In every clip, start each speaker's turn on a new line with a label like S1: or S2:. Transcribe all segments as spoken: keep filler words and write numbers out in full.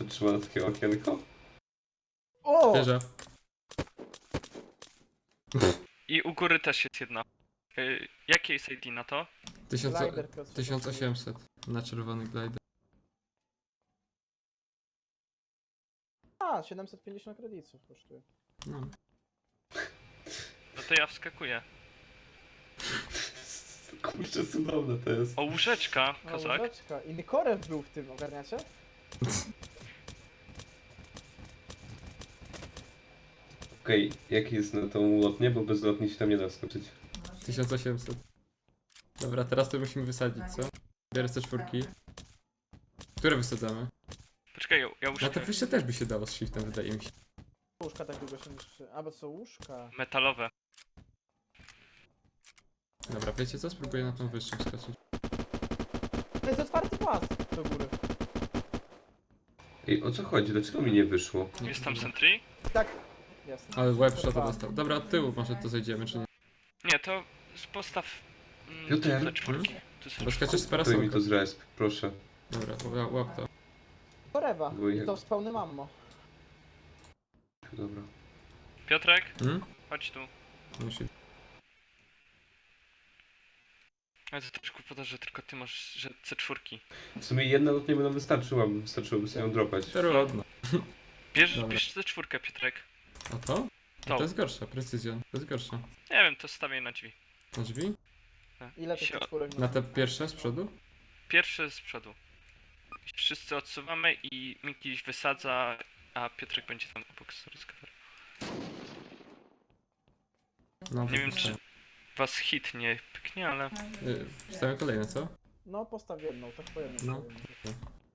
S1: wytrzyma na takie okienko?
S2: O!
S3: Wieża.
S4: I u góry też jest jedna. Y, jakie jest I D na to?
S3: Tysiąc,
S2: Glider, Piotr,
S3: tysiąc osiemset na czerwony glider.
S2: A, siedemset pięćdziesiąt kredytów kosztuje.
S3: No.
S4: No to ja wskakuję.
S1: Kurczę, cudowne to jest.
S4: O, łóżeczka,
S2: No,
S4: kozak.
S2: łóżeczka. I Nykorew był w tym, ogarniacie?
S1: Okej, jaki jest na tą lotnię, bo bez lotni się tam nie da skoczyć.
S3: tysiąc osiemset. Dobra, teraz to musimy wysadzić, co? Biorę te czwórki. Które wysadzamy?
S4: Poczekaj, ja, ja
S3: Na
S4: łóżkę
S3: te wyższe też by się dało z shiftem, wydaje mi się.
S2: Łóżka tak długo się niszczy. A, bo to są łóżka.
S4: metalowe.
S3: Dobra, wiecie co? Spróbuję na tą wyższą skoczyć.
S2: To jest otwarty pas do góry.
S1: Ej, o co chodzi? Dlaczego mi nie wyszło?
S3: Nie,
S4: Jest tam
S3: dobra.
S4: sentry?
S2: Tak. Jest.
S3: Ale web shota
S2: Dwa.
S3: dostał. Dobra, od tyłu może to zejdziemy, czy nie?
S4: Nie, to z postaw... Mm,
S1: Piotr?
S4: tu ze czwórki. Tu ze
S3: Bo
S4: czwórki.
S3: skaczesz z
S1: Daj mi
S3: parasolką.
S1: to z resp, proszę.
S3: Dobra, łap, łap to.
S2: Korewa.
S1: Bo
S2: I
S1: jak-
S2: to z pełnym ammo.
S1: Dobra.
S4: Piotrek,
S3: Hmm?
S4: chodź tu.
S3: Musi.
S4: Ale to też głupota, że tylko ty masz, że C cztery.
S1: W sumie jedna lotnia by nam wystarczyła, bo wystarczyłoby sobie ją dropać.
S3: Trudno.
S4: Bierz,
S3: Dobra.
S4: bierz C cztery, Piotrek.
S3: A to?
S4: To.
S3: A to jest gorsza, precyzjon. To jest gorsza.
S4: Nie wiem, to stawiaj na drzwi.
S3: Na drzwi?
S2: Ile tych
S4: Sio-
S2: czwórek?
S3: Na te pierwsze z przodu?
S4: Pierwszy z przodu. Wszyscy odsuwamy i Miki wysadza, a Piotrek będzie tam obok z Discovery.
S3: No,
S4: Nie wiem, czy was hit nie pyknie, ale...
S3: Y, Wstawiam kolejne, co?
S2: No postaw jedną, tak po jedną.
S3: No.
S2: No.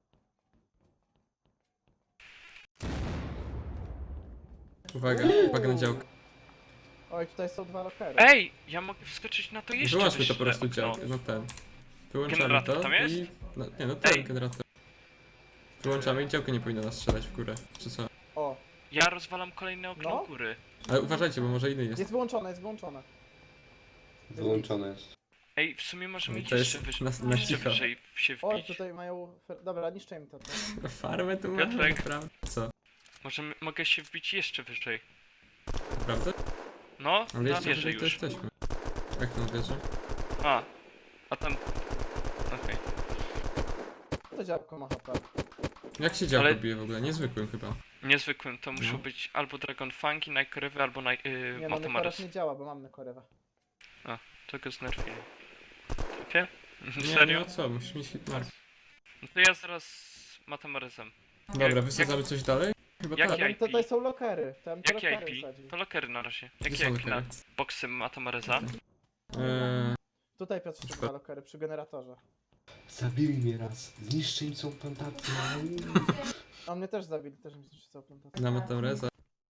S3: Uwaga, uwaga na działkę.
S2: Oj, tutaj są dwa lokery.
S4: Ej! Ja mogę wskoczyć na to jeszcze
S3: Wyłączmy to
S4: wyższe
S3: po prostu
S4: okno.
S3: działkę, no ten. Wyłączamy
S4: Generator
S3: to
S4: tam jest?
S3: i... No, nie, no ten
S4: Ej.
S3: generator. Wyłączamy i działkę nie powinno nas strzelać w górę, czy co?
S2: O,
S4: Ja rozwalam kolejne okno
S2: No.
S4: u góry.
S3: Ale uważajcie, bo może inny jest.
S2: jest wyłączone, jest wyłączone.
S1: Wyłączone jest.
S4: Ej, w sumie możemy
S3: To
S4: jeszcze
S3: jest
S4: wyżej,
S3: na, na
S4: jeszcze
S3: cicho.
S4: wyżej się
S2: O,
S4: wbić.
S2: tutaj mają... fer- Dobra, niszczę im to. to.
S3: Farmę tu mamy,
S4: Piotrek.
S3: naprawdę? Co?
S4: Możemy, mogę się wbić jeszcze wyżej.
S3: Prawda?
S4: No,
S3: Ale
S4: na
S3: jeszcze
S4: wieżę
S3: wyżej to
S4: już.
S3: jesteśmy. Jak na wieżę?
S4: A, a tam... Okej.
S2: To działko ma H P.
S3: Jak się działko
S4: Ale-
S3: bije w ogóle? Niezwykłym chyba.
S4: Niezwykłym to muszą
S3: No.
S4: być albo Dragon Fungi, Nightcrewy, albo Night, yy,
S2: Nie no, Nykorew
S4: Matamares.
S2: nie działa, bo mam Nykorewa.
S4: To go znerfili. Trafie?
S3: Nie, nie
S4: Serio?
S3: no co, musisz mieć hitmark.
S4: No to ja zaraz z Matamaresem.
S3: Dobra, wysadzamy coś dalej? Chyba
S4: Jak
S3: tak.
S4: ja-
S2: Tam to, tutaj są lokery. Tam te
S4: Jakie
S2: lokery
S4: I P?
S2: wsadził.
S4: To lokery na razie.
S3: Gdzie
S4: Jakie
S3: są
S4: I P na
S3: lokery?
S4: boksy Matamaresa?
S3: Eee,
S2: Tutaj Piotr dwa lokery przy generatorze.
S1: Zabili mnie raz. Zniszczy im całą plantację.
S2: A mnie też zabili, też mi zniszczył całą plantację.
S3: na Matamreza.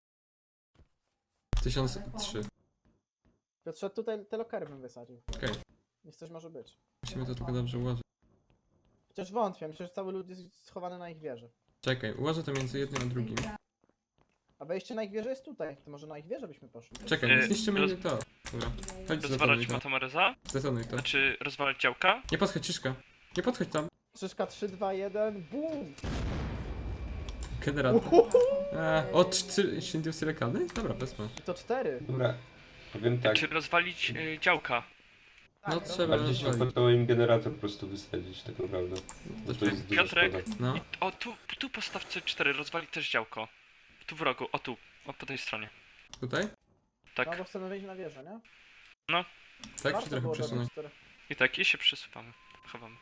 S3: tysiąc trzy.
S2: Piotrze, tutaj te lokery bym wysadził.
S3: Okej.
S2: Niech coś może być.
S3: Musimy to tylko dobrze ułożyć.
S2: Chociaż wątpię, myślę, że cały lud jest schowany na ich wieży.
S3: Czekaj, ułożę to między jednym a drugim.
S2: A wejście na ich wieżę jest tutaj. To może na ich wieżę byśmy poszli.
S3: Czekaj,
S4: Yy,
S3: nie zniszczymy
S4: roz-
S3: nie to. Dobra, chodź zdetonuj
S4: Rozwalać
S3: to.
S4: Matamaresa?
S3: Zdetonuj to.
S4: Znaczy rozwalać działka?
S3: Nie podchodź, Ciszka. Nie podchodź tam.
S2: Krzyżka trzy, dwa, jeden, BUM!
S3: Generator. Eee, o, trzy inducje lekalne? Dobra, wezmę.
S2: I to cztery.
S1: Dobra. Powiem tak.
S4: Czy rozwalić y, działka?
S3: No
S2: Tak,
S3: trzeba
S1: Bardziej się
S3: rozwalić.
S1: opłacało im generator po prostu wysadzić, tak naprawdę. Bo to jest duża
S4: Piotrek?
S1: szkoda.
S3: No,
S4: O, tu, tu postaw C cztery, rozwali też działko. Tu w rogu, o tu, o po tej stronie.
S3: tutaj?
S4: Tak.
S2: No bo chcemy wejść na wieżę, nie?
S3: Tak, czy
S2: Warto
S3: trochę
S2: było
S3: przesunąć?
S2: dodać cztery.
S4: I tak, i się przesuwamy. Chowamy.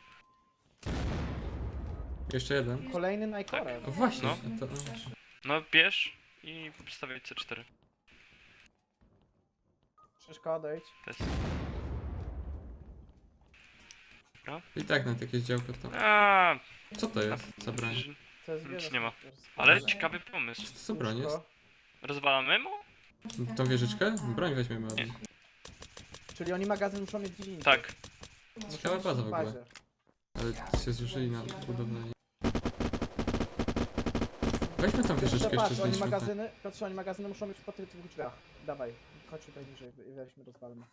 S3: Jeszcze jeden.
S2: Kolejny Nykorew.
S3: O właśnie,
S4: No.
S3: to,
S4: No, bierz i stawiaj C cztery.
S2: Krzyżka, odejdź.
S4: To jest...
S3: I tak nawet jakieś działko to.
S4: A,
S3: Co to jest za broń?
S4: że-
S2: To jest
S4: Nic
S2: wieża.
S4: nie ma.
S2: snajperska.
S4: ale ciekawy pomysł.
S3: Co to za broń jest?
S2: Łóżko.
S4: Rozwalamy mu?
S3: Tą wieżyczkę? Broń weźmiemy od
S4: Nie.
S3: nich.
S2: Czyli oni magazyn muszą mieć gdzie indziej.
S4: Tak.
S2: Muszą
S3: Ciekawa
S2: mieć
S3: baza w ogóle.
S2: bazie.
S3: Ale się zużyli na budowlanie. Weźmy tą wieżyczkę
S2: Piotrze,
S3: jeszcze
S2: patrz, oni
S3: znieśmy.
S2: magazyny, Piotrze, oni magazyny muszą być po tych dwóch drzwiach. Dawaj, chodź tutaj niżej i weźmy, rozwalmy.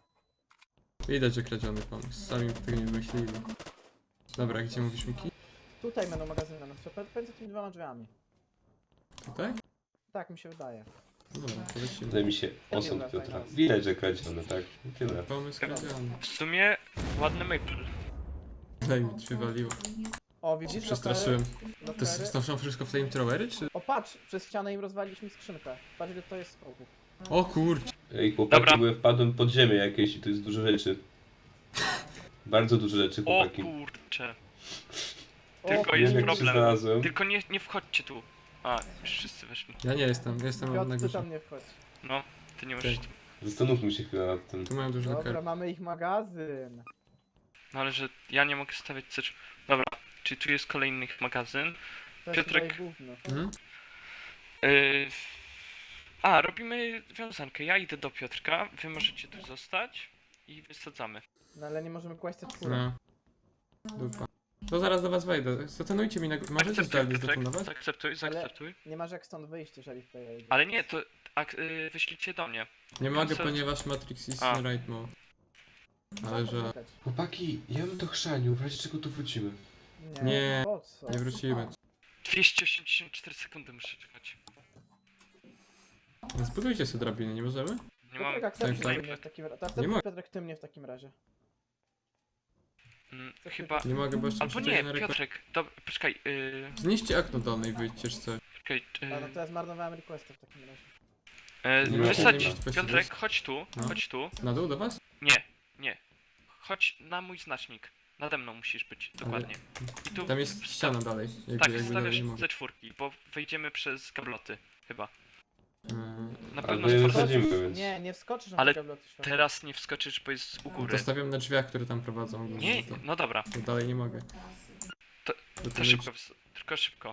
S3: Widać, że kradziony pomysł. Sami tego nie wymyślili. Dobra, gdzie mówisz, Miki?
S2: Tutaj będą magazyny, no co pomiędzy tymi dwoma drzwiami.
S3: Tutaj?
S2: Tak mi się wydaje.
S3: No dobra, to lecimy.
S1: Wydaje mi się osąd Piotra. Widać, że kradzione, tak? I tyle.
S3: Pomysł kradziony.
S4: W sumie ładny maple.
S3: Daj mi przywaliło.
S2: O, widzisz?
S3: Przestraszyłem.
S2: Lokery-
S3: To jest,
S2: lokery.
S3: to są wszystko flamethrowery, czy?
S2: O, patrz! Przez ścianę im rozwaliliśmy skrzynkę. Patrz, ile to jest skoków.
S3: O kurcz.
S1: Ej, chłopaki,
S4: Dobra.
S1: bo ja wpadłem pod ziemię jakieś i tu jest dużo rzeczy. Bardzo dużo rzeczy,
S4: O
S1: chłopaki.
S4: kurcze.
S2: O,
S4: Tylko
S1: Nie
S4: jest
S1: wiem, jak się
S4: problem.
S1: znalazłem.
S4: Tylko nie, nie wchodźcie tu. A, już wszyscy weszli.
S3: Ja nie jestem, ja jestem na
S2: Piotr, ty
S3: górze.
S2: tam nie wchodź.
S4: No, ty nie
S3: Okej.
S4: możesz. tu.
S1: Zastanówmy się chwilę nad tym.
S3: Tu mają dużo
S2: Dobra,
S3: lokerów.
S2: mamy ich magazyn.
S4: No ale że ja nie mogę stawiać C cztery. Dobra, czyli tu jest kolejny magazyn.
S2: To jest
S4: Piotrek.
S2: tutaj gówno.
S3: Mhm.
S4: Yy... A, robimy wiązankę. Ja idę do Piotrka, wy możecie tu zostać i wysadzamy.
S2: No ale nie możemy kłaść te czwórki.
S3: No. Dupa. To zaraz do was wejdę. Zatonujcie mi na górze. Możecie zdalnie
S4: Piotrek,
S3: zdetonować?
S4: zaakceptuj, zaakceptuj.
S2: Nie masz jak stąd wyjść, jeżeli tutaj jedzie.
S4: Ale nie, to ak- yy, wyślijcie do mnie.
S3: Nie mogę,
S4: co-
S3: ponieważ Matrix is
S4: A.
S3: in right mode. Ale że...
S2: Poczekać.
S1: Chłopaki, ja bym to chrzanił, w razie czego tu wrócimy.
S2: Nie,
S3: Nie,
S2: po co?
S3: Nie wrócimy.
S4: dwieście osiemdziesiąt cztery sekundy muszę czekać.
S3: No zbudujcie sobie drabiny, nie możemy?
S4: Nie mam...
S2: Piotrek, akceptuj
S3: tak.
S2: mnie w takim razie.
S3: Nie
S2: Akceptuj
S3: mogę.
S2: Piotrek, ty mnie w takim razie.
S4: Mm, chyba...
S3: Nie mogę, bo jeszcze
S4: Albo
S3: muszę
S4: nie,
S3: na rekord.
S4: Piotrek, dobra, poczekaj, yy,
S3: Zniszcie okno dolne i wyjdźcie, czy coś.
S4: czekaj,
S2: A no
S4: yy,
S2: to ja zmarnowałem requesta w takim razie.
S4: e,
S3: Nie ma
S4: wysadź,
S3: problemu.
S4: Piotrek, chodź tu,
S3: No.
S4: chodź tu.
S3: Na dół do was?
S4: Nie, nie. Chodź na mój znacznik. Nade mną musisz być, dokładnie. I tu
S3: Tam jest ściana dalej. Jakby,
S4: tak,
S3: jakby dalej nie
S4: stawiasz
S3: mogę.
S4: ze czwórki, bo wejdziemy przez gabloty, chyba.
S3: Yy,
S4: Na
S1: Ale
S4: pewno
S1: my je
S4: sporo...
S1: wysadzimy, więc...
S2: Nie, nie wskoczysz na
S4: Ale
S2: te kabloty światła.
S4: Teraz nie wskoczysz, bo jest u góry.
S3: To stawiam na drzwiach, które tam prowadzą.
S4: Nie,
S3: To,
S4: no dobra,
S3: to dalej nie mogę.
S4: To-
S3: To
S4: to szybko, wys- tylko szybko.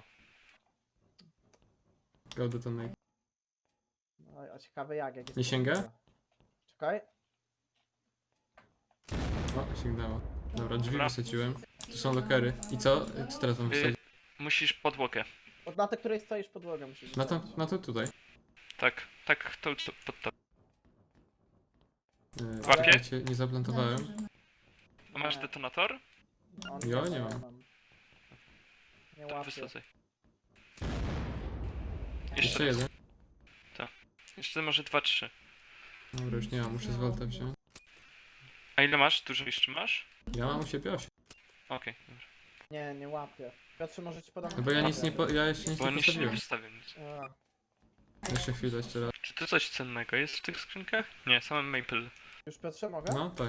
S3: Go detonate.
S2: No, a ciekawe jak, jak jest
S3: Nie
S2: to
S3: sięga?
S2: możliwe. Czekaj.
S3: O, sięgnęło. Dobra, drzwi
S4: Dobra.
S3: wysadziłem. Tu są lokery. I co? Co teraz mam
S4: Y,
S3: wysadzić?
S4: Musisz podłogę.
S2: Od na tej, której stoisz podłogę musisz
S3: Na to,
S2: wsadzić.
S3: na to tutaj.
S4: Tak, tak, to, to pod to.
S3: Yy,
S4: Łapie?
S3: czekajcie, nie zaplantowałem.
S4: A masz detonator?
S2: On
S3: Ja
S2: też
S3: nie mam.
S2: Nie
S4: To
S2: łapię.
S4: wysadzaj.
S3: Jeszcze
S4: Jeszcze raz.
S3: jeden.
S4: Jeszcze może dwa, trzy.
S3: Dobra, już nie mam, muszę z Volta wziąć.
S4: A ile masz? Dużo jeszcze masz?
S3: Ja mam u siebie osiem.
S4: Okej, dobra.
S2: Nie, nie łapię. Piotrze, może ci podam...
S3: No bo ja nic nie, po, ja jeszcze nic
S4: Bo
S3: nie
S4: on jeszcze nie
S3: postawiłem.
S4: wystawił nic.
S2: A,
S3: Jeszcze chwilę, jeszcze raz.
S4: Czy to coś cennego jest w tych skrzynkach? Nie, samym maple.
S2: już Piotrze mogę?
S3: No, tak.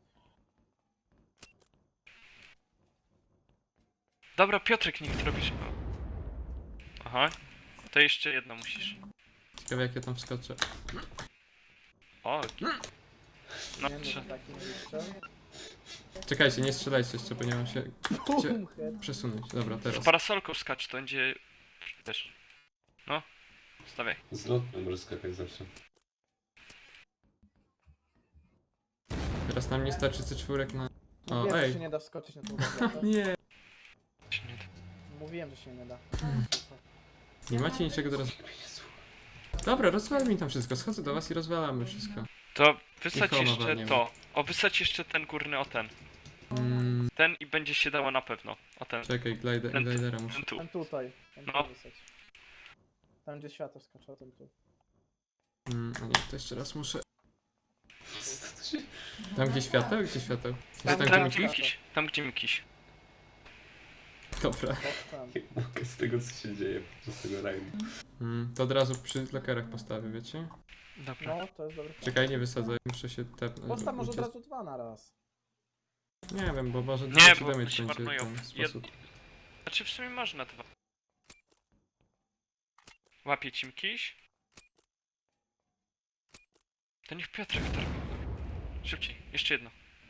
S4: Dobra, Piotrek, niech to robisz. Aha. To jeszcze jedno musisz.
S3: Ciekawe jak ja tam wskoczę.
S4: O, no
S2: nie,
S4: trze-
S2: no, taki nie wyszedł.
S3: Czekajcie, nie strzelajcie jeszcze, bo nie mam się
S2: Bum, head.
S3: przesunąć. Dobra,
S4: z
S3: teraz.
S4: parasolką skacz, to będzie... Wiesz. No. Stawiaj.
S1: Z lotem może skakać zawsze.
S3: Teraz nam nie starczy C cztery na... O,
S2: Mówiłem, że
S3: ej.
S2: się nie da wskoczyć na tą gabletę.
S3: Nie.
S4: Się nie da.
S2: Mówiłem, że się nie da.
S3: Nie macie niczego do roz... Dobra, rozwal mi tam wszystko. Schodzę do was i rozwalamy wszystko.
S4: To wysadź
S3: Nikogo
S4: jeszcze
S3: nie ma.
S4: to. O, wysadź jeszcze ten górny, o ten.
S3: Mm,
S4: Ten i będzie się dało na pewno. O ten.
S3: czekaj, glider,
S4: Ten tu.
S3: glidera muszę.
S4: Ten tu.
S2: Ten tutaj. Ten
S4: No.
S2: tu wysać. Tam gdzie światło skacze, ten tu.
S3: Mm, a nie, to jeszcze raz muszę. Tam gdzie świateł? Gdzie świateł?
S2: Tam,
S3: Gdzie
S4: Tam
S3: tam
S4: gdzie
S3: gdzie
S2: tak.
S4: Mikiś. Tam gdzie Mikiś.
S3: Dobra.
S2: To tam.
S1: Nie mogę z tego, co się dzieje podczas tego rajdu.
S3: Mm, to od razu przy lokerach postawię, wiecie?
S4: Dobra.
S2: No, to jest dobry pomysł.
S3: Czekaj, nie wysadzaj, muszę się tepnąć.
S2: Postaw może od
S3: uciec-
S2: razu dwa na raz.
S3: Nie wiem, bo może
S4: Nie,
S3: damage
S4: bo
S3: damage
S4: się
S3: będzie w
S4: marnują.
S3: ten
S4: Jed-
S3: sposób.
S4: Znaczy w sumie można dwa. Łapie ci Mikiś. To niech Piotrek to robi. Szybciej. Jeszcze jedno.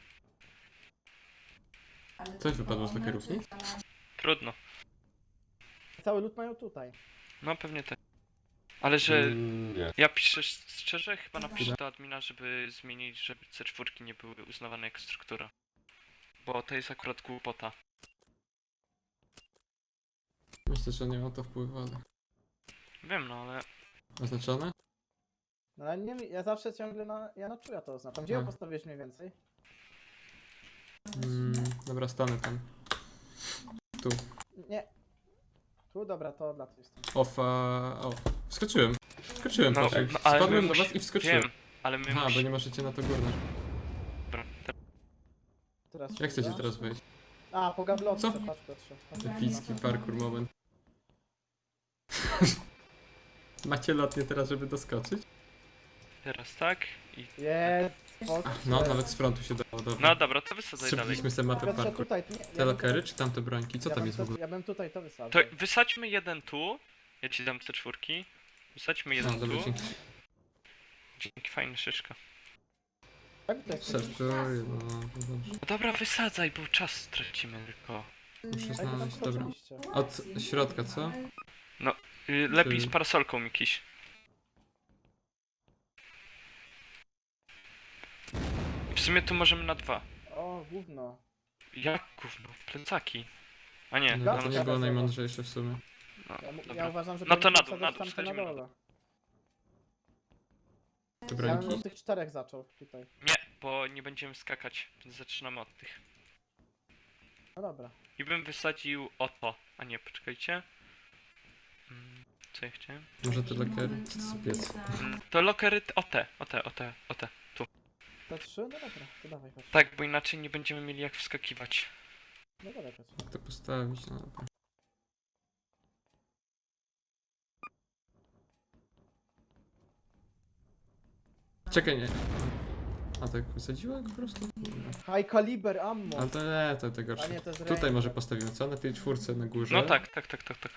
S3: Coś wypadło z lokerów, nic?
S4: Trudno.
S2: Cały lód mają tutaj.
S4: No pewnie tak. Ale że
S1: Mm, nie.
S4: ja piszę szczerze, chyba napiszę do admina, żeby zmienić, żeby C cztery nie były uznawane jako struktura. Bo to jest akurat głupota.
S3: Myślę, że nie ma to wpływu, ale...
S4: Wiem, no ale...
S3: Oznaczone?
S2: No ale nie wiem, ja zawsze ciągle na... Ja na czuja to oznaczam. Gdzie ją
S3: A.
S2: postawiłeś mniej więcej?
S3: Mm, dobra, stanę tam. Tu.
S2: Nie. Tu, dobra, to dla tej strony.
S3: Ofa... O, wskoczyłem. Wskoczyłem,
S4: No,
S3: Piotrek.
S4: no, ale my
S3: Spadłem do
S4: musi-
S3: was i wskoczyłem.
S4: Wiem, ale my
S3: Aha, bo
S4: musimy...
S3: nie możecie na to górne.
S4: Dobra, teraz
S2: Teraz
S3: Jak
S2: się
S3: chcecie
S2: uda?
S3: teraz wejść?
S2: A, po gablotce,
S3: Co?
S2: patrz Piotrze. Patrz,
S3: Epicki
S2: patrz.
S3: parkour moment. Macie lotnie teraz, żeby doskoczyć?
S4: teraz tak i...
S2: Jest,
S3: Ach, no, nawet z frontu się dało, dobra.
S4: No dobra, to wysadzaj dalej.
S3: Strzeliliśmy sobie mapę
S2: Piotrze,
S3: parkour.
S2: tutaj, nie, ja
S3: Te
S2: bym
S3: lokery,
S2: tutaj-
S3: czy tamte brońki? Co
S2: ja
S3: tam
S2: bym
S3: jest w
S2: to-
S3: ogóle?
S2: Ja bym tutaj to wysadzał.
S4: To wysadźmy jeden tu. Ja ci dam te czwórki. Wysadźmy
S3: No,
S4: jeden
S3: dobra,
S4: tu.
S3: dzięki.
S4: Dzięki, fajna szyszka.
S2: Tak, to jest
S3: Sertuję, no, no dobrze.
S4: No dobra, wysadzaj, bo czas stracimy tylko.
S3: Muszę
S2: Ej, to tam
S3: znaleźć, dobra.
S2: skoczyliście.
S3: Od środka, co?
S4: Y, Lepiej
S3: Czy-
S4: z parasolką, Mikiś. W sumie tu możemy na dwa.
S2: O, gówno.
S4: Jak gówno? Plecaki. A nie,
S3: No,
S2: Dobra,
S3: to
S4: tam...
S3: nie było najmądrzejsze w sumie.
S4: No,
S2: Ja, mu- ja
S4: dobra.
S2: uważam, że
S4: No to
S2: powinniśmy
S4: na dół,
S2: wsadzać
S4: na dół,
S2: tamte na
S4: schodzimy na
S2: dole.
S3: Te
S2: Ja bym
S3: brońki?
S2: od tych czterech zaczął tutaj.
S4: Nie, bo nie będziemy skakać, więc zaczynamy od tych.
S2: No dobra.
S4: I bym wysadził o to. A nie, poczekajcie. Mm, Co ja chciałem?
S3: Może te lokery? Co to za piec?
S4: Mm, To lokery, t- o te, o te, o te, o te.
S2: Te trzy? No dobra, to dawaj chodź.
S4: Tak, bo inaczej nie będziemy mieli jak wskakiwać.
S2: No dobra, chodź.
S3: Jak to postawić? No dobra. Czekaj, nie. A tak wysadziła po prostu? Dobra.
S2: High caliber ammo!
S3: Ale to nie, to tego
S2: A nie, to jest
S3: Tutaj
S2: ranger.
S3: może postawimy, co? Na tej czwórce na górze.
S4: No tak, tak, tak, tak, tak.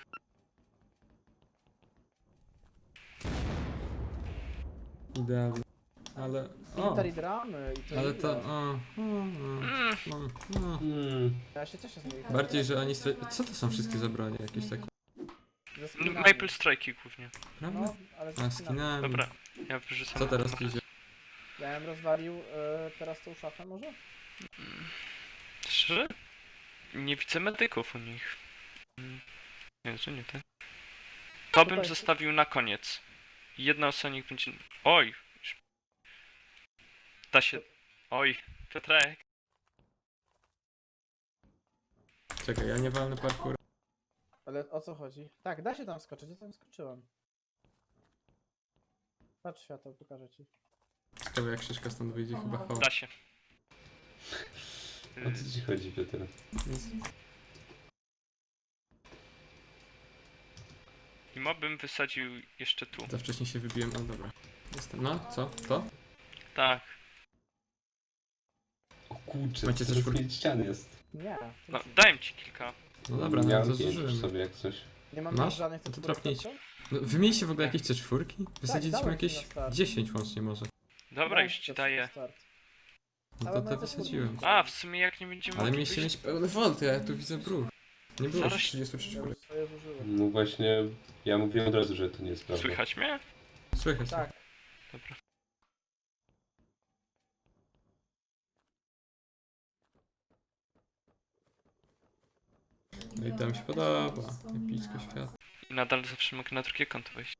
S3: Idealnie. Ale... O!
S2: Military dramy i to
S3: Ale
S2: ile?
S3: to... O, o,
S4: Mm,
S3: o, o.
S1: Hmm.
S2: Ja się cieszę z nich.
S3: Bardziej, że oni... stra- Co to są wszystkie zabrania? Jakieś takie...
S2: Ze
S4: no,
S2: skinami.
S4: Maple Strike'i głównie.
S3: Prawda?
S2: No, ale
S3: A,
S2: ze skinami.
S3: skinami.
S4: Dobra, ja wyrzucam.
S3: Co teraz idzie?
S2: Ja bym rozwalił e, teraz tą szafę może?
S4: Szczerze? Nie widzę medyków u nich. Mm, Nie, że nie ten. To bym
S2: Tutaj-
S4: zostawił na koniec. Jedna osoba niech będzie... Oj! Da się... Oj, Piotrek.
S3: Czekaj, ja nie walnę parkour.
S2: Ale o co chodzi? Tak, da się tam skoczyć, ja tam skoczyłem. Patrz światło, pokażę ci.
S3: Ciekawe jak Krzyżka stąd wyjdzie, chyba ho.
S4: Da się.
S1: O co ci chodzi, Piotr?
S3: Nic.
S4: I mo bym wysadził jeszcze tu.
S3: Za wcześnie się wybiłem, ale dobra. Jestem. No, co? To?
S4: Tak.
S1: O kurczę,
S3: Macie
S1: to
S3: coś
S1: już
S3: w-
S1: pięć ścian jest.
S2: Nie.
S4: No,
S2: to-
S4: dałem ci kilka.
S3: No dobra, no
S1: Miałem
S3: to
S1: pięć już
S3: zużyłem.
S1: sobie jak coś.
S2: Nie mam
S3: Masz?
S2: żadnych
S3: No to
S2: tekturek,
S3: trafnijcie.
S2: co?
S3: No, wymieniliście w ogóle jakieś te czwórki? Wysadziliśmy
S2: dałem ci
S3: jakieś
S2: na start.
S3: dziesięć łącznie może.
S4: Dobra,
S2: Dałem
S4: już
S2: ci
S4: ci
S2: to
S4: daję.
S2: start.
S3: No
S2: Ale
S3: to te
S2: mam te
S3: wysadziłem.
S2: czwórki.
S4: A, w sumie jak nie będziemy
S3: Ale
S4: mogli
S3: mieliście
S4: wyjść-
S3: mieć pełny volt, ja tu widzę bruch. Nie było
S4: Zaraz-
S3: już trzydzieści
S2: Ja
S3: czwórek.
S2: już swoje zużyłem.
S1: No właśnie, ja mówiłem od razu, że to nie jest prawda.
S4: Słychać mnie?
S3: Słychać.
S2: Tak.
S4: Dobra.
S3: No i tam się podoba. Epicko świat.
S4: I nadal zawsze mogę na drugie konto wejść.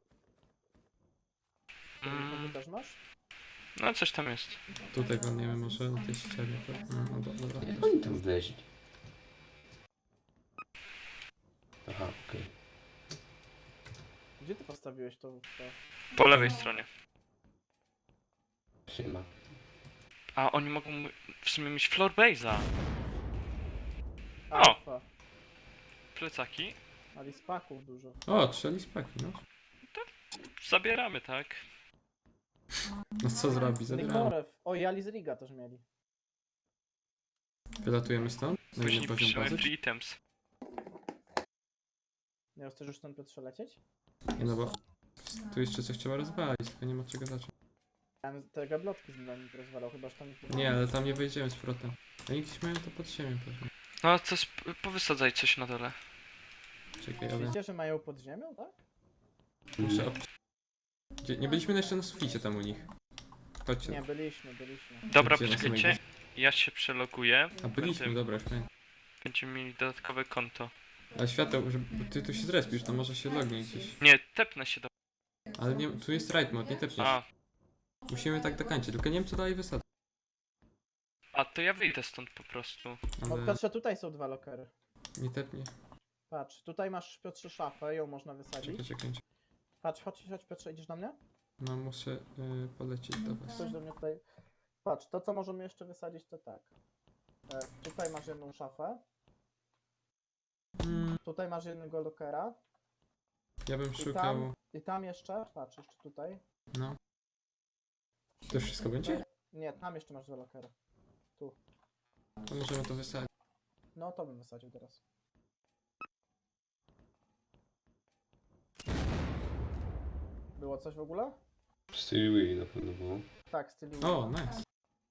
S2: Mm.
S4: Mm,
S2: też masz?
S4: no coś tam jest.
S3: Tutaj walniemy może na tej ścianie. To... No, no, do- dobra.
S1: Jak oni tam wleźli? Aha, okej.
S2: Gdzie ty postawiłeś to? to?
S4: Po lewej stronie.
S1: Siema.
S4: A oni mogą w sumie mieć floor base'a. O!
S2: Alfa.
S4: Plecaki.
S2: Ali spaków dużo.
S3: O, trzy spaki, no.
S4: Zabieramy, tak?
S3: No co zrobi? Zabieramy.
S2: Nikorew. O, i Ali z Riga też mieli.
S3: Wylatujemy stąd? Na
S4: Później
S3: inny poziom
S4: piszemy
S3: bazy?
S4: free items.
S2: Miał chcesz już stąd Piotrze lecieć?
S3: Nie no bo... Tu jeszcze coś trzeba rozwalić, tylko nie ma czego zacząć.
S2: Ja bym te gablotki z nami rozwalał, chyba że tam ich
S3: Nie, ale tam nie wejdziemy z powrotem. Oni gdzieś mają to pod ziemią pewnie.
S4: No to sp- powysadzaj coś na dole.
S3: Czekaj, ale...
S2: Wiecie, że mają pod ziemią, tak?
S3: Muszę ob... Gdzie... Nie byliśmy jeszcze na suficie tam u nich. Chodźcie.
S2: Nie, byliśmy, byliśmy.
S4: Dobra,
S3: Gdzie na
S4: poczekajcie.
S3: samej
S4: Ja się przeloguję.
S3: A byliśmy,
S4: Będę-
S3: dobra, już pamiętam.
S4: Będziemy mieli dodatkowe konto.
S3: Ale świateł, że ty tu się zrespisz, to może się lognij gdzieś.
S4: Nie, tepnę się do...
S3: Ale nie, tu jest ride mode, nie tepniesz.
S4: A,
S3: Musimy tak dokończyć, tylko nie wiem co dalej wysadzę.
S4: a to ja wyjdę stąd po prostu.
S2: O,
S3: Ale
S2: Piotrze, tutaj są dwa lokery.
S3: nie tepnie.
S2: Patrz, tutaj masz Piotrze szafę, ją można
S3: Czekaj,
S2: wysadzić.
S3: czekaj.
S2: Patrz, chodź, chodź Piotrze, idziesz do mnie?
S3: No muszę y, polecieć do was.
S2: Chodź do mnie tutaj. Patrz, to co możemy jeszcze wysadzić to tak. E, tutaj masz jedną szafę.
S3: Mm,
S2: Tutaj masz jednego lockera.
S3: ja bym
S2: I
S3: szukał...
S2: tam, I tam jeszcze, patrz, jeszcze tutaj.
S3: No. To już wszystko będzie?
S2: Nie, tam jeszcze masz dwa lockera.
S3: To możemy to wysadzić.
S2: No to bym wysadził teraz. Było coś w ogóle?
S1: Steely Willy na pewno było.
S2: Tak, stylu.
S3: O, nice.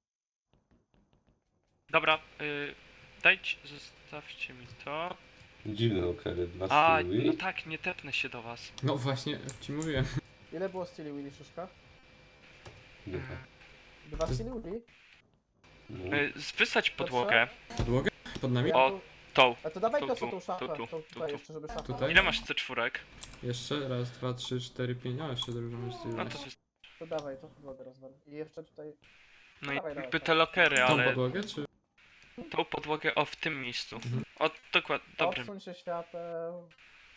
S4: Dobra, y, dajcie, zostawcie mi to.
S1: Dziwne lokery dla
S4: A,
S1: Steely
S4: no
S1: Willy.
S4: tak, nie tepnę się do was.
S3: No właśnie, ci mówiłem.
S2: Ile było stylu Willy szyszka?
S1: Nie,
S2: Dwa
S3: To jest-
S2: stylu Willy?
S1: no.
S4: Y, wysadź podłogę.
S3: Podłogę? Pod nami?
S2: Ja
S4: O,
S2: tu-
S4: Tą.
S2: A to dawaj
S4: tu,
S2: to co
S4: tu,
S2: tą szafę,
S4: tu, tu,
S2: tą
S4: tu,
S2: tutaj
S4: tu.
S2: jeszcze, żeby szafa.
S3: Tutaj?
S4: Ile masz C cztery?
S3: Jeszcze raz, dwa, trzy, cztery, pięć. O, jeszcze dużo mamy
S4: No
S3: stylu.
S4: to wys-
S2: To dawaj, to podłogę rozwal. I jeszcze tutaj...
S4: No i
S2: Dawaj, dawaj,
S4: jakby
S2: tak.
S4: te lokery,
S3: Tą
S4: ale
S3: podłogę, czy?
S4: tą podłogę o w tym miejscu.
S3: Mhm.
S4: O, dokładnie, dobrze.
S2: Odsuń się świateł.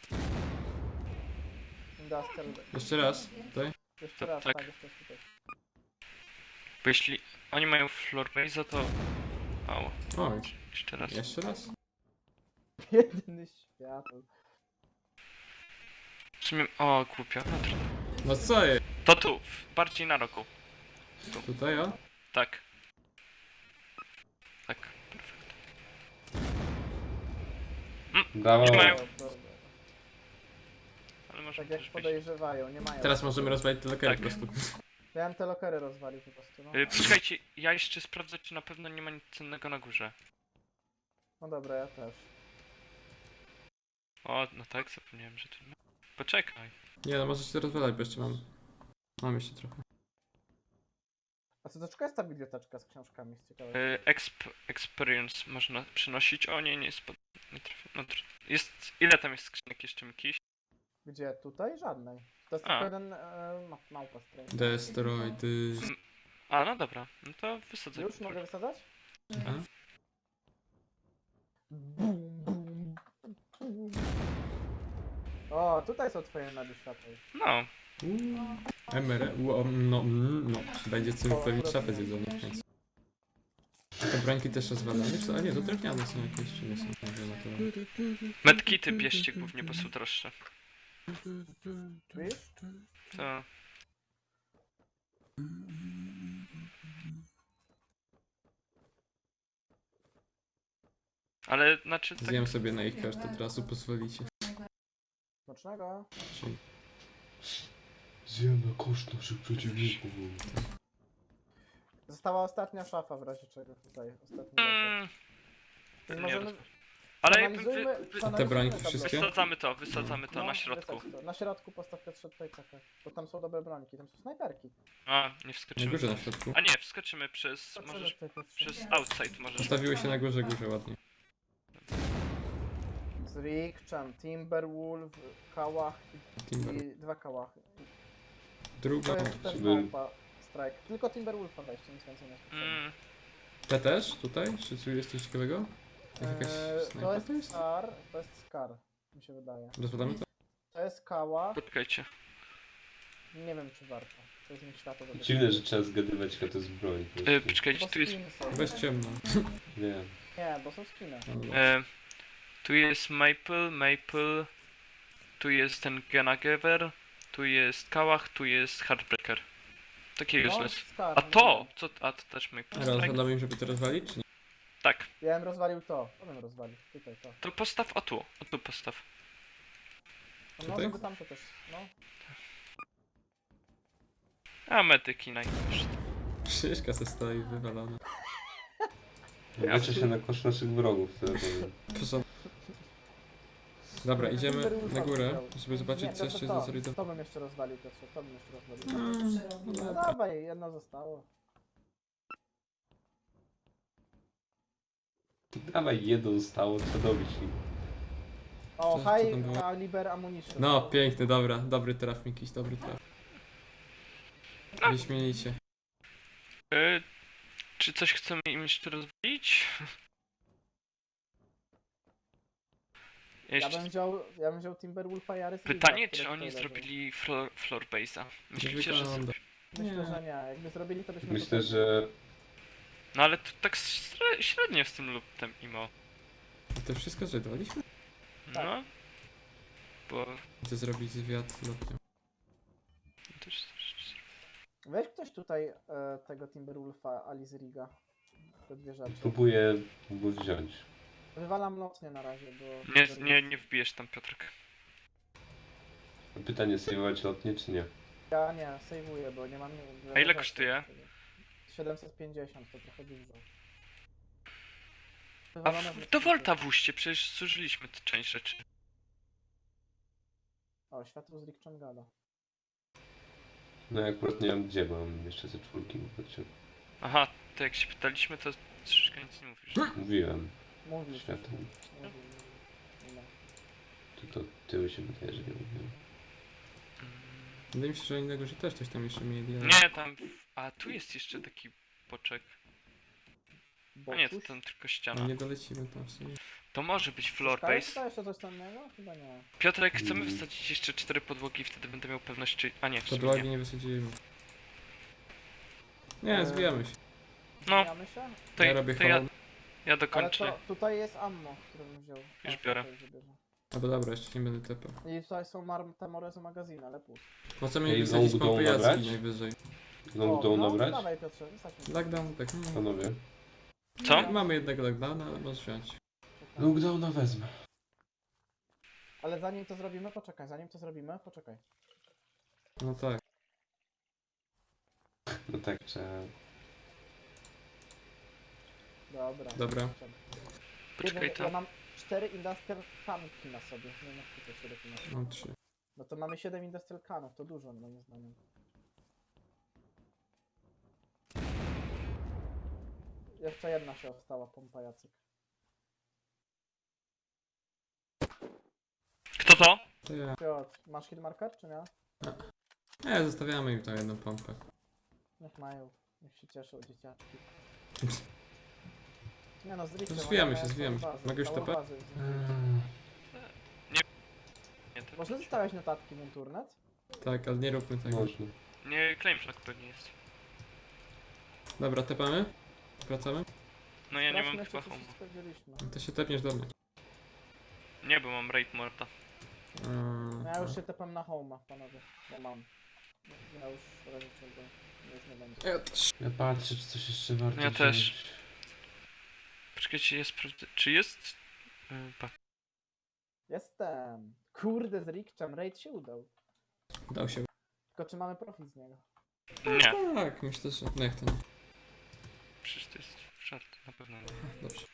S2: Industrial.
S3: Jeszcze raz, tutaj.
S2: Jeszcze
S4: To
S2: raz,
S4: tak.
S2: tak, jeszcze raz tutaj.
S4: Bo jeśli oni mają floor base, to... Mało.
S3: Oj,
S4: Jeszcze raz.
S3: jeszcze raz.
S2: Jedyny świateł.
S4: W sumie... O, głupio. No, trudno.
S3: No co jest?
S4: To tu, w- bardziej na rogu.
S3: Tutaj, o?
S4: Tak. Tak, perfekt.
S1: Dawaj.
S4: Nie mają.
S2: O, dobra.
S4: Ale może
S2: Tak
S4: też
S2: jak
S4: być.
S2: podejrzewają, nie mają.
S3: Teraz możemy rozwalić te lokery
S4: Tak.
S3: po prostu.
S2: Ja bym te lokery rozwalił po prostu, no.
S4: Y, Poczekajcie, ja jeszcze sprawdzę, czy na pewno nie ma nic cennego na górze.
S2: No dobra, ja też.
S4: O, no tak, zapomniałem, że tu nie ma. Poczekaj.
S3: Nie no, możecie to rozwalać, bo jeszcze mam... Mam jeszcze trochę.
S2: A co, dlaczego jest ta biblioteczka z książkami? Z ciekawe.
S4: Y, exp experience można przynosić. O nie, nie jest pod... Nie trafię. No, tr- jest... Ile tam jest skrzynek jeszcze jakiś?
S2: Gdzie? Tutaj? Żadnej. To jest
S4: A.
S2: tylko jeden e, ma, małpa stray.
S3: Destroy, ty...
S4: A, no dobra. No to wysadzę.
S2: Już mogę wysadzać?
S3: A?
S2: Bum, bum, bum. O, tutaj są twoje nady światła.
S4: No.
S3: M R E, u, o, no, mm, no. Będzie co pewnie szafę zjedzone w końcu. Te brońki też rozwalane? Czy to? A nie, to drewniane są jakieś, czy nie są? Nie wiem, naturalne.
S4: Medkity bierzcie głównie, bo są droższe.
S2: Widzisz?
S4: To... Ale znaczy tak...
S3: Zjem sobie na ich koszt, od razu pozwolicie.
S2: Smacznego.
S3: Czyli
S1: Zjem na koszt naszych przeciwników.
S2: Została ostatnia szafa w razie czego tutaj. Ostatni
S4: Mm,
S2: locker.
S4: nie
S2: Możemy...
S4: roz- Ale jakby
S2: przeanalizujmy-
S4: wy, wy,
S2: przeanalizujmy
S3: Te brońki
S2: tabelę.
S3: wszystkie?
S4: wysadzamy to, wysadzamy to
S2: No,
S4: na środku.
S2: wysadź to. Na środku postaw Piotrze tutaj czekaj. Bo tam są dobre brońki, tam są snajperki.
S4: A, nie
S3: na
S4: wskoczymy.
S3: górze na środku.
S4: A nie, wskoczymy przez...
S2: Patrzymy
S4: Możesz...
S2: tutaj, Piotrze.
S4: Przez outside możesz...
S3: Postawiły się na górze, górze ładnie.
S2: Zrikczan, Timberwolf, Kałach
S3: Timber.
S2: i dwa Kałachy.
S3: Druga.
S2: To jest ten
S1: Timber-
S2: małpa strike. Tylko Timberwolfa weźcie, nic więcej nie skoczymy.
S4: Mm,
S3: Te też? Tutaj? Czy tu jest coś ciekawego? Jakaś
S2: Eee, to
S3: snajpa
S2: jest
S3: to jest?
S2: Scar, to jest Scar, mi się wydaje.
S3: Rozwadamy to?
S2: To jest Kałach,
S4: poczekajcie.
S2: nie wiem czy warto. To jest mi światło do
S1: Dziwne, że trzeba zgadywać, jaka to jest broń. po
S4: E,
S1: prostu.
S4: poczekajcie,
S2: Bo
S4: tu jest...
S2: skiny są.
S3: Bez ciemno.
S1: Nie.
S2: Nie, bo są skiny.
S3: No, dobra.
S4: E, tu jest Maple, Maple... Tu jest ten Genagever, tu jest Kałach, tu jest Heartbreaker. Takie
S2: No,
S4: useless.
S2: Scar,
S4: A
S2: nie
S4: to!
S2: wiem.
S4: Co? A to też Maple
S3: Teraz
S4: Strike?
S3: zadamy im, żeby to rozwalić, czy nie?
S4: Tak.
S2: Ja bym rozwalił to, to bym rozwalił, tutaj to.
S4: To postaw o tu, o tu postaw.
S2: No
S3: Tutaj?
S2: żeby tamto też, no.
S4: A medyki najgorsze.
S3: Szyszka se stoi wywalona.
S1: Leczę się na koszt naszych wrogów, tyle powiem.
S3: Proszę. Dobra, idziemy
S2: Timberwolfa
S3: na górę,
S2: wziął.
S3: żeby zobaczyć
S2: Nie,
S3: co
S2: to,
S3: jeszcze
S2: to,
S3: jest
S2: to,
S3: zasolidowane.
S2: to bym jeszcze rozwalił, Piotrze, to bym jeszcze rozwalił.
S3: Mm, no
S2: No
S3: dobra.
S2: dawaj, jedno zostało.
S1: Dawaj, jedno zostało, co dobić im.
S2: O,
S3: Co- co tam
S2: high
S3: było?
S2: caliber ammunition.
S3: No, piękny, dobra, dobry traf jakiś, dobry traf. Wyśmienicie.
S4: E, czy coś chcemy im jeszcze rozwalić?
S2: Ja
S4: Jeszcze
S2: bym wziął, ja bym wziął Timberwolfa i Ares
S4: pytanie,
S2: Liga,
S4: czy
S2: które
S4: oni
S2: tutaj leżą.
S4: zrobili floor, floor base'a? Myślicie, że...
S3: wygląda.
S2: Myślę,
S3: Nie.
S2: że nie. Jakby zrobili, to byśmy
S1: Myślę,
S2: tutaj...
S1: że
S4: No ale to tak śre- średnio z tym luptem imo.
S3: To wszystko zredowaliśmy?
S2: Tak.
S4: No. Bo...
S3: Chcę zrobić zwiat lotnią.
S4: Też, też,
S2: Weź ktoś tutaj e, tego Timberwolfa, Alice Riga. Te dwie rzeczy.
S1: próbuję go wziąć.
S2: Wywalam lotnie na razie, bo...
S4: nie,
S2: Timberwolf-
S4: nie, nie wbijesz tam, Piotrek.
S1: Pytanie, sejwować lotnie czy nie?
S2: Ja nie, sejwuję, bo nie mam...
S4: A ile kosztuje?
S2: siedemset pięćdziesiąt, to trochę dużo.
S4: A
S2: Wywalone
S4: w,
S2: w
S4: do
S2: lotnicy.
S4: Volta włóżcie, przecież zużyliśmy tę część rzeczy.
S2: O, światło z Rick Changada.
S1: No ja akurat nie wiem gdzie, bo mam jeszcze ze czwórki. Znaczy,
S4: Aha, to jak się pytaliśmy, to troszeczkę nic nie mówisz.
S1: mówiłem,
S2: Mówisz.
S1: światło.
S2: Mówił, mówił. No.
S1: To, to tyły się wydaje, że nie mówiłem.
S3: Wydaje mi się, że innego, że też coś tam jeszcze mieli. ale-
S4: Nie, tam... A, tu jest jeszcze taki boczek. A nie, to
S2: Bokuś?
S4: tam tylko
S3: No
S4: ściana.
S3: nie dolecimy tam w sumie.
S4: To może być floor
S2: Zostaje
S4: base.
S2: tutaj jeszcze coś cennego? Chyba nie.
S4: Piotrek, chcemy
S1: Mm.
S4: wysadzić jeszcze cztery podłogi, wtedy będę miał pewność, czy... A nie, w sumie
S3: Podłogi
S4: nie.
S3: nie wysadzimy. Nie,
S2: Eee,
S3: zwijamy się.
S4: No,
S2: Zmieniamy się?
S4: to,
S3: ja
S4: ja,
S3: robię
S4: to ja,
S3: home.
S4: ja
S2: Ale
S4: dokończę.
S2: to, tutaj jest ammo, które bym wziął.
S4: Już
S2: A,
S4: biorę.
S2: tutaj wybierze.
S3: Albo dobra, jeszcze nie będę tepał.
S2: I tutaj są mar- te morezy magazyny, ale pust.
S3: Po co mi
S1: Ej,
S3: wysadzić
S1: znowu
S3: pompy
S1: będą nabrać?
S3: jaski najwyżej?
S1: Znowu dołu
S2: no,
S1: nabrać?
S2: dawaj Piotrze, wysadźmy.
S3: Lockdown, tak. Mm.
S1: Panowie.
S4: Co?
S3: Mamy jednego lockdowna, ale możesz wziąć.
S2: Czekaj.
S1: Lockdowna wezmę.
S2: Ale zanim to zrobimy, poczekaj, zanim to zrobimy, poczekaj.
S3: No tak.
S1: No tak, trzeba...
S2: Dobra.
S3: Dobra.
S4: Poczekaj
S2: ja
S4: tam.
S2: mam cztery industrial canki na sobie. Nie wiem, jak tutaj cztery masz.
S3: Mam trzy.
S2: No to mamy siedem industrial canów, to dużo moim zdaniem. Jeszcze jedna się ostała, pompa Jacek.
S4: Kto to?
S3: To ja.
S2: Piotr, masz hit marker, czy nie?
S3: Nie, zostawiamy im tą jedną pompę.
S2: Niech mają, niech się cieszą dzieciaczki. Nie no, z Rickiem,
S3: Zwijamy
S2: ale
S3: się,
S2: całą
S3: zwijamy się.
S2: bazę,
S3: Mogę już
S2: całą
S3: tepać?
S2: bazę z-
S4: Nie, to...
S2: Można zostawiać notatki w internet?
S3: Tak, ale nie róbmy tego.
S1: Można.
S4: Nie, claim flag pewnie jest.
S3: Dobra, tepamy? Wracamy?
S4: No ja nie mam
S2: Sprawdźmy,
S4: chyba
S2: czy
S4: home.
S2: wszystko wzięliśmy.
S3: To się tepniesz do mnie.
S4: Nie, bo mam raid morta.
S3: Eee,
S2: Ja już się tepam na home'a, panowie, bo mam. Ja już rolniczego już nie będzie.
S3: Ja też.
S1: Ja patrzę, czy coś jeszcze warto
S4: Ja też.
S1: wziąć.
S4: Poczekajcie, jest... sprawdzę- Czy jest... Yy, pa-
S2: Jestem! Kurde, z Rickczem, raid się udał.
S3: Dał się.
S2: Tylko czy mamy profit z niego?
S4: Nie,
S3: Tak, myślę, że... No jak to nie.
S4: przecież to jest żart, na pewno nie.
S3: Dobrze.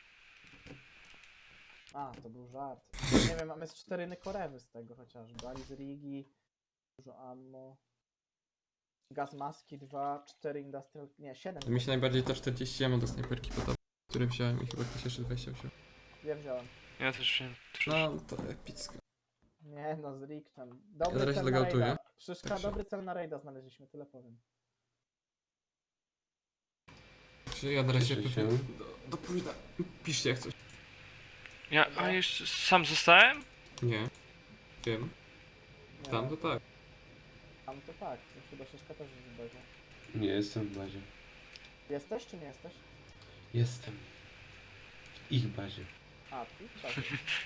S2: A, to był żart. Nie wiem, mamy z cztery nykorewy z tego chociażby. Alice Rigi, dużo ammo. Gaz maski dwa, cztery industrial... Nie, siedem.
S3: Mi się najbardziej to czterdzieści ja mam do snajperki podoba, które wziąłem i chyba ktoś jeszcze dwadzieścia wziął.
S2: Ja wziąłem.
S4: Ja też wiem.
S3: No, to epicko.
S2: Nie no, z Rickczem. Dobry
S3: Ja na razie
S2: cel na
S3: zagautuję.
S2: raida. Szyszka,
S3: Także.
S2: dobry cel na raida znaleźliśmy, tyle powiem.
S3: Czy ja na razie
S1: Cieszę
S3: pewnie...
S1: się.
S3: Do, do późna. Piszcie jak coś.
S4: Ja, a jeszcze sam zostałem?
S3: Nie. Wiem.
S2: Nie,
S3: Tam to tak.
S2: Tam to tak, to chyba Szyszka też jest w bazie.
S1: Nie, jestem w bazie.
S2: Jesteś czy nie jesteś?
S1: Jestem. W ich bazie.
S2: A, ty? Tak.